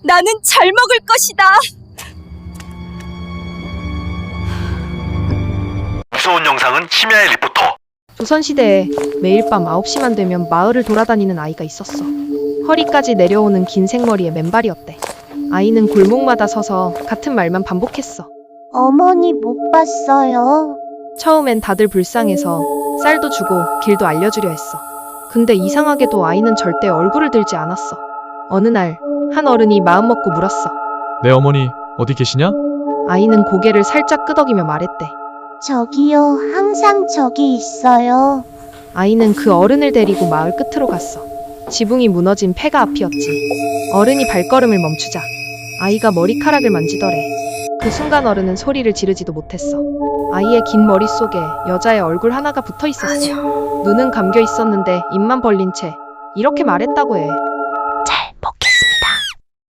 나는 잘 먹을 것이다. 무서운 영상은 심야의 리포터. 조선시대에 매일 밤 9시만 되면 마을을 돌아다니는 아이가 있었어. 허리까지 내려오는 긴 생머리에 맨발이었대. 아이는 골목마다 서서 같은 말만 반복했어. 어머니 못 봤어요. 처음엔 다들 불쌍해서 쌀도 주고 길도 알려주려 했어. 근데 이상하게도 아이는 절대 얼굴을 들지 않았어. 어느 날 한 어른이 마음먹고 물었어. 네 어머니 어디 계시냐? 아이는 고개를 살짝 끄덕이며 말했대. 저기요, 항상 저기 있어요. 아이는 그 어른을 데리고 마을 끝으로 갔어. 지붕이 무너진 폐가 앞이었지. 어른이 발걸음을 멈추자 아이가 머리카락을 만지더래. 그 순간 어른은 소리를 지르지도 못했어. 아이의 긴 머릿속에 여자의 얼굴 하나가 붙어 있었어. 눈은 감겨 있었는데 입만 벌린 채 이렇게 말했다고 해.